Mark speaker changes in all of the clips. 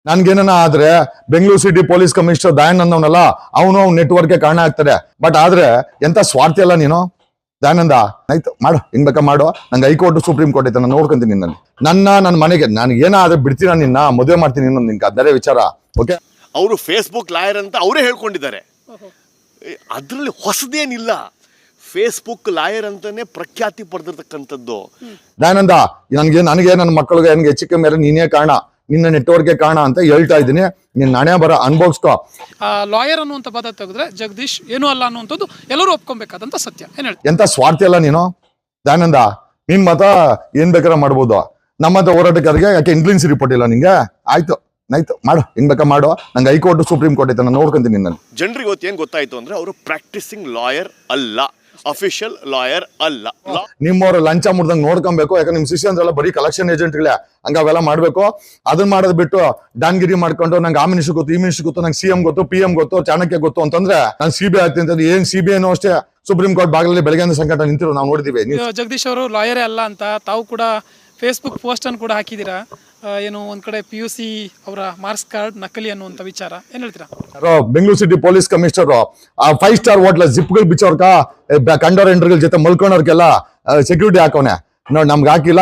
Speaker 1: ನನ್ಗೇನ ಆದ್ರೆ Bengaluru city police commissioner Dayanand ಅನ್ನೋನಲ್ಲ ಅವನು ಅವ್ನ ನೆಟ್ವರ್ಕ್ಗೆ ಕಾರಣ ಆಗ್ತಾರೆ. ಬಟ್ ಆದ್ರೆ ಎಂತ ಸ್ವಾರ್ಥಿ ಅಲ್ಲ ನೀನು ದಯಾನಂದ. ಆಯ್ತು ಮಾಡು, ಹಿಂಗ್ ಬೇಕಾ ಮಾಡು. ನಂಗೆ ಹೈಕೋರ್ಟ್ ಸುಪ್ರೀಂ ಕೋರ್ಟ್ ಐತೆ, ನಾನು ನೋಡ್ಕೊಂತೀನಿ ನಿನ್ನಲ್ಲಿ. ನನ್ನ ಮನೆಗೆ ನಾನು ಏನಾದ್ರೆ ಬಿಡ್ತೀನ, ನಿನ್ನ ಮದುವೆ ಮಾಡ್ತೀನಿ ಇನ್ನೊಂದು ನಿನ್ಗೆ ಅದರೆ ವಿಚಾರ. ಓಕೆ,
Speaker 2: ಅವರು ಫೇಸ್ಬುಕ್ ಲಾಯರ್ ಅಂತ ಅವರೇ ಹೇಳ್ಕೊಂಡಿದ್ದಾರೆ. ಅದರಲ್ಲಿ ಹೊಸದೇನಿಲ್ಲ. ಫೇಸ್ಬುಕ್ ಲಾಯರ್ ಅಂತಾನೆ ಪ್ರಖ್ಯಾತಿ ಪಡೆದಿರ್ತಕ್ಕಂಥದ್ದು.
Speaker 1: ದಯಾನಂದ, ನನಗೆ ನನ್ನ ಮಕ್ಕಳಿಗೆ ನನಗೆ ಹೆಚ್ಚಿಗೆ ಮೇಲೆ ನೀನೇ ಕಾರಣ, ನಿನ್ನ ನೆಟ್ವರ್ಕ್ಗೆ ಕಾರಣ ಅಂತ ಹೇಳ್ತಾ ಇದ್ದೀನಿ. ನಿನ್ನ ನಾಣ್ಯ ಬರ ಅನ್ಭವಿಸ್ಕೋ.
Speaker 3: ಲಾಯರ್ ಅನ್ನುವಂಥ ಪದ ತೆಗೆದ್ರೆ ಜಗದೀಶ್ ಏನೂ ಅಲ್ಲ ಅನ್ನುವಂಥದ್ದು ಎಲ್ಲರೂ ಒಪ್ಕೊಬೇಕಾದಂತ ಸತ್ಯ. ಏನ್ ಹೇಳಿ?
Speaker 1: ಎಂತ ಸ್ವಾರ್ಥಿ ಅಲ್ಲ ನೀನು ದಯಾನಂದ. ನಿನ್ ಮತ ಏನ್ ಬೇಕಾದ್ರೆ ಮಾಡ್ಬೋದು. ನಮ್ಮಂತ ಹೋರಾಟಗಾರರಿಗೆ ಯಾಕೆ ಇಂಟೆಲಿಜೆನ್ಸ್ ರಿಪೋರ್ಟ್ ಇಲ್ಲ ನಿಂಗೆ? ಆಯ್ತು ಮಾಡು, ಹಿಂಗ್ ಬೇಕಾ ಮಾಡು. ನಂಗೆ ಹೈಕೋರ್ಟ್ ಸುಪ್ರೀಂ ಕೋರ್ಟ್ ಐತೆ, ನಾನು ನೋಡ್ಕೊಂತೀನಿ ನಿನ್ನಲ್ಲಿ.
Speaker 2: ಜನರಿಗೆ ಇವತ್ತು ಏನ್ ಗೊತ್ತಾಯ್ತು ಅಂದ್ರೆ ಅವರು ಪ್ರಾಕ್ಟಿಸಿಂಗ್ ಲಾಯರ್ ಅಲ್ಲ, ಅಫಿಷಿಯಲ್ ಲಾಯರ್ ಅಲ್ಲ.
Speaker 1: ನಿಮ್ಮವ್ರ ಲಂಚ ಮುಡ್ದಂಗ್ ನೋಡ್ಕೊಬೇಕು. ಯಾಕಂದ್ರೆ ನಿಮ್ ಶಿಷ್ಯಂದ್ರೆಲ್ಲ ಬರೀ ಕಲೆಕ್ಷನ್ ಏಜೆಂಟ್ಗಳೇ, ಹಂಗ ಅವೆಲ್ಲ ಮಾಡ್ಬೇಕು. ಅದನ್ನ ಮಾಡೋದ್ ಬಿಟ್ಟು ಡಾನ್ಗಿರಿ ಮಾಡ್ಕೊಂಡು ನಂಗೆ ಆ ಮಿನಿಸ್ಟರ್ ಗೊತ್ತು, ಈ ಮಿನಿಸ್ಟರ್ ಗೊತ್ತು, ನಂಗೆ ಸಿಎಂ ಗೊತ್ತು, PM ಗೊತ್ತು, ಚಾಣಕ್ಯ ಗೊತ್ತು ಅಂತಂದ್ರೆ ನಾನು CBI ಆಗ್ತೀನಿ ಅಂತಂದ್ರೆ ಏನ್ CBI ಅಷ್ಟೇ ಸುಪ್ರೀಂ ಕೋರ್ಟ್ ಬಾಗಿಲಲ್ಲಿ ಬೆಳಗ್ಗೆ ಸಂಕಟ ನಿಂತಿರೋ ನಾವು ನೋಡಿದೀವಿ.
Speaker 3: ಜಗದೀಶ್ ಅವರು ಲಾಯರೇ ಅಲ್ಲ ಅಂತ ತಾವು ಕೂಡ ಫೇಸ್ಬುಕ್ ಪೋಸ್ಟ್ ಅನ್ನು ಕೂಡ ಹಾಕಿದ್ದೀರಾ. ಏನು ಒಂದ್ ಕಡೆ PUC ಅವರ ಮಾರ್ಕ್ಸ್ ಕಾರ್ಡ್ ನಕಲಿ ಅನ್ನುವಂಥ ವಿಚಾರ ಏನ್ ಹೇಳ್ತೀರಾ?
Speaker 1: Bengaluru city police commissioner 5 star ಹೋಟ್ಲ ಜಿಪ್ಗಳು ಬಿಚ್ಚೋರ್ಕ ಕಂಡೋರ್ ಎಂಟ್ರಿಗಳ ಜೊತೆ ಮಲ್ಕೊಂಡವ್ರಿಗೆಲ್ಲ ಸೆಕ್ಯೂರಿಟಿ ಹಾಕೋನೆ. ನಮ್ಗೆ ಹಾಕಿಲ್ಲ.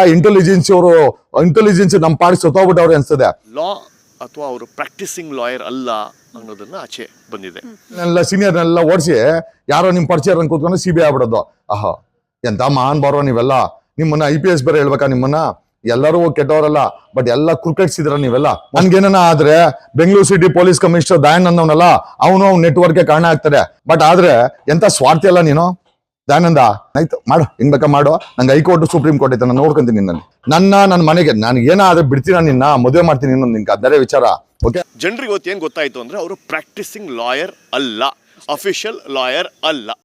Speaker 1: ಇಂಟೆಲಿಜೆನ್ಸ್ ನಮ್ ಪಾಡಿ ಸತ್ತೋಗ್ಬಿಟ್ಟವ್ರೆ ಅನ್ಸ್ತದೆ.
Speaker 2: ಲಾ ಅಥವಾ ಅವರು ಪ್ರಾಕ್ಟಿಸಿಂಗ್ ಲಾಯರ್ ಅಲ್ಲ ಅನ್ನೋದನ್ನ ಆಚೆ ಬಂದಿದೆ.
Speaker 1: ಸೀನಿಯರ್ನೆಲ್ಲ ಓಡಿಸಿ ಯಾರೋ ನಿಮ್ ಪರಿಚಯ ಕೂತ್ಕೊಂಡು CBI ಆಗ್ಬಿಡೋದು. ಆಹಾ, ಎಂತ ಮಹಾನ್ ಬಾರೋ ನೀವೆಲ್ಲ. ನಿಮ್ಮನ್ನ IPS ಬೇರೆ ಹೇಳ್ಬೇಕಾ? ನಿಮ್ಮನ್ನ ಎಲ್ಲರೂ ಕೆಟ್ಟವರಲ್ಲ, ಬಟ್ ಎಲ್ಲ ಕುರ್ಕಟ್ಸಿದ್ರ ನೀವೆಲ್ಲ. ನನ್ಗೇನ ಆದ್ರೆ Bengaluru city police commissioner Dayanand ಅನ್ನೋನಲ್ಲ ಅವನು ಅವ್ನ ನೆಟ್ವರ್ಕ್ಗೆ ಕಾರಣ ಆಗ್ತಾರೆ. ಬಟ್ ಆದ್ರೆ ಎಂತ ಸ್ವಾರ್ಥಿ ಅಲ್ಲ ನೀನು ದಯಾನಂದ. ಆಯ್ತು ಮಾಡು, ಹಿಂಗ್ ಬೇಕಾ ಮಾಡು. ನಂಗೆ ಹೈಕೋರ್ಟ್ ಸುಪ್ರೀಂ ಕೋರ್ಟ್ ಐತೆ, ನಾನು ನೋಡ್ಕೊಂತೀನಿ ನಿನ್ನಲ್ಲಿ. ನನ್ನ ಮನೆಗೆ ನಾನು ಏನಾದ್ರೆ ಬಿಡ್ತೀನ, ನಿನ್ನ ಮದುವೆ ಮಾಡ್ತೀನಿ ಇನ್ನೊಂದು ನಿನ್ಗೆ ಅದರೆ ವಿಚಾರ. ಓಕೆ,
Speaker 2: ಜನರಿಗೆ ಇವತ್ತು ಏನ್ ಗೊತ್ತಾಯ್ತು ಅಂದ್ರೆ ಅವರು ಪ್ರಾಕ್ಟಿಸಿಂಗ್ ಲಾಯರ್ ಅಲ್ಲ, ಅಫಿಷಿಯಲ್ ಲಾಯರ್ ಅಲ್ಲ.